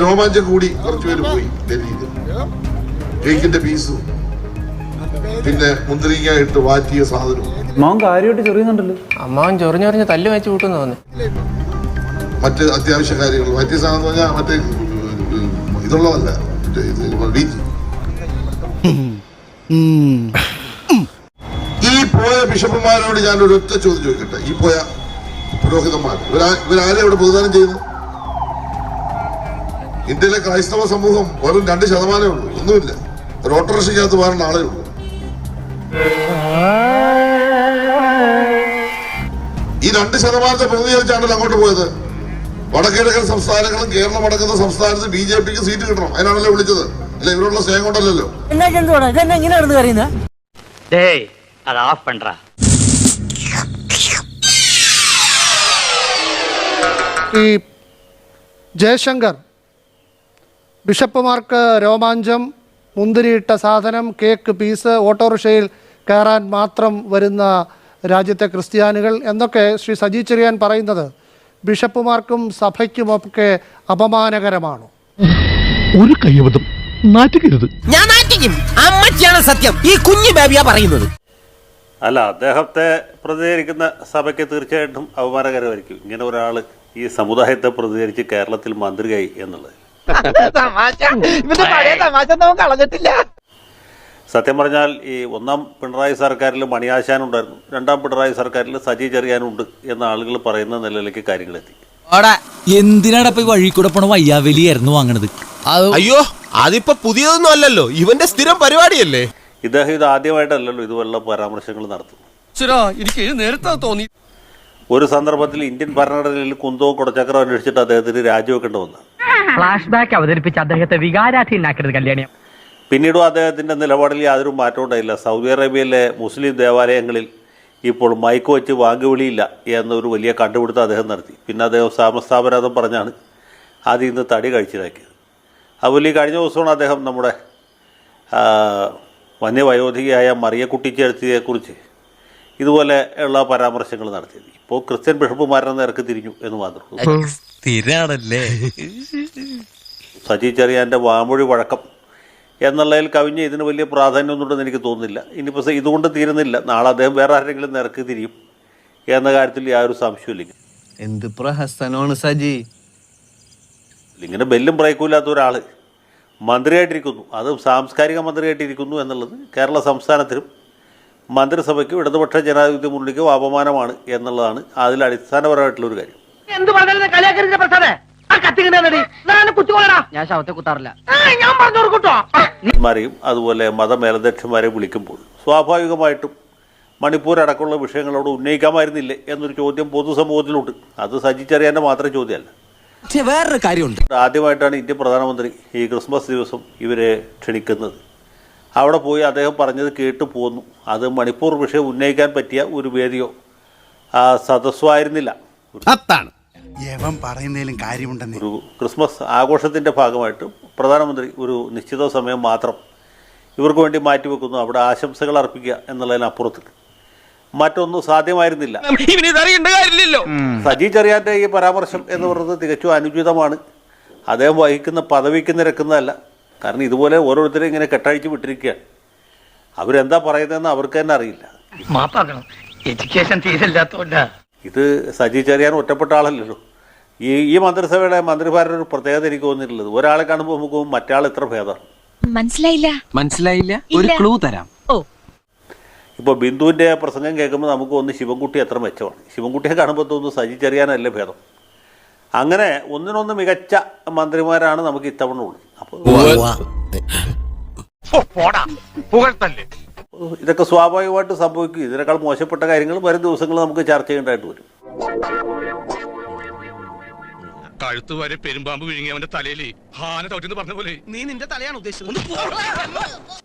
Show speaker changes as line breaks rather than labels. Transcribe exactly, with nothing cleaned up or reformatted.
രോമാഞ്ചം കൂടി കുറച്ചുപേര് പോയി ഡൽഹിയിൽ. കേക്കിന്റെ പീസും പിന്നെ മുന്തിരിങ്ങ ഇട്ട് വാറ്റിയ സാധനവും.
അമ്മാവൻ കാര്യമായിട്ട് ചെറിയുന്നുണ്ടല്ലോ.
അമ്മാവൻ ചൊറിഞ്ഞൊറിഞ്ഞ് തല്ല് വെച്ച് കൂട്ടുന്നു തോന്നി.
മറ്റ് അത്യാവശ്യ കാര്യങ്ങൾ വാറ്റിയ സാധനം എന്ന് പറഞ്ഞാൽ മറ്റേ ഇതുള്ളതല്ല, ഈ പോയ ബിഷപ്പുമാരോട് ഞാൻ ഒരു ഒറ്റ ചോദ്യം ചോദിക്കട്ടെ. ഈ പോയ പുരോഹിതന്മാർ ഇവരാ ഇവരാരെ ഇവിടെ പ്രതിദാനം ചെയ്യുന്നു? ഇന്ത്യയിലെ ക്രൈസ്തവ സമൂഹം വെറും രണ്ട് ശതമാനമേ ഉള്ളൂ, ഒന്നുമില്ല. ഒരു ഓട്ടോറിക്ഷയ്ക്കകത്ത് വേറെ ആളേ ഉള്ളൂ. ഈ രണ്ട് ശതമാനത്തെ പ്രതിനിധീകരിച്ചാണല്ലോ അങ്ങോട്ട് പോയത്. വടക്കിഴക്കൻ സംസ്ഥാനങ്ങളും കേരളം അടക്കുന്ന സംസ്ഥാനത്ത് ബി ജെ പിക്ക് സീറ്റ് കിട്ടണം, അതിനാണല്ലോ വിളിച്ചത്. അല്ല, ഇവരോടുള്ള സ്നേഹം കൊണ്ടല്ലോ.
ഈ ജയശങ്കർ ബിഷപ്പുമാർക്ക് രോമാഞ്ചം, മുന്തിരിയിട്ട സാധനം, കേക്ക് പീസ്, ഓട്ടോറിക്ഷയിൽ കയറാൻ മാത്രം വരുന്ന രാജ്യത്തെ ക്രിസ്ത്യാനികൾ എന്നൊക്കെ ശ്രീ സജി ചെറിയാൻ പറയുന്നത് ബിഷപ്പുമാർക്കും സഭയ്ക്കുമൊക്കെ അപമാനകരമാണോ?
ഒരു കൈവതം നാറ്റിക്കരുത്.
ഞാൻ നാറ്റിക്കും. അമ്മച്ചിയാണ് സത്യം, ഈ കുഞ്ഞു ബേബിയാ പറയുന്നത്.
അല്ല, അദ്ദേഹത്തെ പ്രതികരിക്കുന്ന സഭയ്ക്ക് തീർച്ചയായിട്ടും അപമാനകരമായിരിക്കും ഇങ്ങനെ ഒരാൾ ഈ സമുദായത്തെ പ്രതികരിച്ച് കേരളത്തിൽ മന്ത്രിയായി എന്നുള്ളത്. സത്യം പറഞ്ഞാൽ ഈ ഒന്നാം പിണറായി സർക്കാരിൽ മണിയാശാനുണ്ടായിരുന്നു, രണ്ടാം പിണറായി സർക്കാരിൽ സജി ചെറിയാനുണ്ട് എന്ന ആളുകൾ പറയുന്ന നിലയിലേക്ക് കാര്യങ്ങളെത്തി.
എന്തിനാണ് വഴി കൂടെ പോണ വയ്യാവലിയായിരുന്നു വാങ്ങണത്?
അയ്യോ, അതിപ്പോ പുതിയതൊന്നും അല്ലല്ലോ, ഇവന്റെ സ്ഥിരം പരിപാടിയല്ലേ.
ഇദ്ദേഹം ഇത് ആദ്യമായിട്ടല്ലല്ലോ ഇതുപോലുള്ള പരാമർശങ്ങൾ നടത്തുന്നു.
തോന്നി
ഒരു സന്ദർഭത്തിൽ ഇന്ത്യൻ ഭരണഘടനയിൽ കുന്തവും കുടച്ചക്രം അന്വേഷിച്ചിട്ട് അദ്ദേഹത്തിന് രാജിവെക്കേണ്ടി വന്നു.
ഫ്ലാഷ് ബാക്ക് അവതരിപ്പിച്ച് അദ്ദേഹത്തെ വികാരാധീനാക്കരുത് കല്യാണി.
പിന്നീടും അദ്ദേഹത്തിൻ്റെ നിലപാടിൽ യാതൊരു മാറ്റവും ഉണ്ടായില്ല. സൗദി അറേബ്യയിലെ മുസ്ലിം ദേവാലയങ്ങളിൽ ഇപ്പോൾ മൈക്ക് വെച്ച് വാങ്ങുവിളിയില്ല എന്നൊരു വലിയ കണ്ടുപിടുത്തം അദ്ദേഹം നടത്തി. പിന്നെ അദ്ദേഹം സാമസ്ഥാപരാധം പറഞ്ഞാണ് അതിൽ നിന്ന് തടി കഴിച്ചിലാക്കിയത്. അതുപോലെ ഈ കഴിഞ്ഞ ദിവസമാണ് അദ്ദേഹം നമ്മുടെ വന്യവയോധികയായ മറിയക്കുട്ടിച്ചേർത്തിയെക്കുറിച്ച് ഇതുപോലെ ഉള്ള പരാമർശങ്ങൾ നടത്തിയത്. ഇപ്പോൾ ക്രിസ്ത്യൻ ബിഷപ്പുമാരുടെ നേർക്ക് തിരിഞ്ഞു എന്ന് മാത്രമേ. സജി ചെറിയാൻ്റെ വാമൊഴി വഴക്കം എന്നുള്ളതിൽ കവിഞ്ഞ് ഇതിന് വലിയ പ്രാധാന്യമൊന്നുണ്ടെന്ന് എനിക്ക് തോന്നുന്നില്ല. ഇനിയിപ്പോൾ ഇതുകൊണ്ട് തീരുന്നില്ല, നാളെ അദ്ദേഹം വേറെ ആരെങ്കിലും നിരക്ക് തിരിയും എന്ന കാര്യത്തിൽ യാതൊരു സംശയമില്ല.
എന്ത് പ്രഹസനമാണ് സജി.
ഇങ്ങനെ ബെല്ലും ബ്രേക്കുമില്ലാത്ത ഒരാൾ മന്ത്രിയായിട്ടിരിക്കുന്നു, അതും സാംസ്കാരിക മന്ത്രിയായിട്ടിരിക്കുന്നു എന്നുള്ളത് കേരള സംസ്ഥാനത്തിനും മന്ത്രിസഭയ്ക്കും ഇടതുപക്ഷ ജനാധിപത്യ മുന്നണിക്കും അപമാനമാണ് എന്നുള്ളതാണ് അതിൽ അടിസ്ഥാനപരമായിട്ടുള്ളൊരു കാര്യം. മാരെയും അതുപോലെ മതമേലധ്യക്ഷന്മാരെ വിളിക്കുമ്പോൾ സ്വാഭാവികമായിട്ടും മണിപ്പൂർ അടക്കമുള്ള വിഷയങ്ങളോട് ഉന്നയിക്കാമായിരുന്നില്ലേ എന്നൊരു ചോദ്യം പൊതുസമൂഹത്തിലുണ്ട്. അത് സജി ചെറിയാൻ്റെ മാത്രം ചോദ്യമല്ല.
വേറൊരു കാര്യമുണ്ട്.
ആദ്യമായിട്ടാണ് ഇന്ത്യൻ പ്രധാനമന്ത്രി ഈ ക്രിസ്മസ് ദിവസം ഇവരെ ക്ഷണിക്കുന്നത്. അവിടെ പോയി അദ്ദേഹം പറഞ്ഞത് കേട്ടു പോന്നു. അത് മണിപ്പൂർ വിഷയം ഉന്നയിക്കാൻ പറ്റിയ ഒരു വേദിയോ ആ സദസ്സോ ആയിരുന്നില്ല. ഒരു ക്രിസ്മസ് ആഘോഷത്തിൻ്റെ ഭാഗമായിട്ട് പ്രധാനമന്ത്രി ഒരു നിശ്ചിത സമയം മാത്രം ഇവർക്ക് വേണ്ടി മാറ്റിവെക്കുന്നു, അവിടെ ആശംസകൾ അർപ്പിക്കുക എന്നുള്ളതിനപ്പുറത്ത് മറ്റൊന്നും സാധ്യമായിരുന്നില്ല. സജി ചെറിയാൻ്റെ ഈ പരാമർശം എന്ന് പറയുന്നത് തികച്ചും അനുചിതമാണ്. അദ്ദേഹം വഹിക്കുന്ന പദവിക്ക് നിരക്കുന്നതല്ല. കാരണം ഇതുപോലെ ഓരോരുത്തരും ഇങ്ങനെ കെട്ടഴിച്ച് വിട്ടിരിക്കുകയാണ്. അവരെന്താ പറയുന്നതെന്ന് അവർക്ക് തന്നെ അറിയില്ല. ഇത് സജി ചെറിയാൻ ഒറ്റപ്പെട്ട ആളല്ലല്ലോ. ഈ ഈ മന്ത്രിസഭയുടെ മന്ത്രിമാരുടെ ഒരു പ്രത്യേകത എനിക്ക് തോന്നിയിട്ടുള്ളത്, ഒരാളെ കാണുമ്പോൾ നമുക്ക് മറ്റാൾ എത്ര ഭേദമാണ്.
മനസ്സിലായില്ല മനസ്സിലായില്ല ഒരു ക്ലൂ തരാം.
ഇപ്പോൾ ബിന്ദുവിൻ്റെ പ്രസംഗം കേൾക്കുമ്പോൾ നമുക്ക് ഒന്ന് ശിവൻകുട്ടി എത്ര മെച്ചമാണ്, ശിവൻകുട്ടിയെ കാണുമ്പോൾ തോന്നുന്നു സജി ചെറിയാനല്ലേ ഭേദം. അങ്ങനെ ഒന്നിനൊന്ന് മികച്ച മന്ത്രിമാരാണ് നമുക്ക് ഇത്തവണ ഉള്ളത്. അപ്പോൾ ഇതൊക്കെ സ്വാഭാവികമായിട്ട് സംഭവിക്കും. ഇതിനേക്കാൾ മോശപ്പെട്ട കാര്യങ്ങൾ വരും ദിവസങ്ങൾ നമുക്ക് ചർച്ച ചെയ്യേണ്ടതായിട്ട് വരും.
കഴുത്ത് വരെ പെരുമ്പാമ്പ് വിഴുങ്ങി അവന്റെ തലയിൽ ഹാന തോറ്റെന്ന് പറഞ്ഞ പോലെ
നീ നിന്റെ തലയാണ് ഉദ്ദേശിച്ചത്.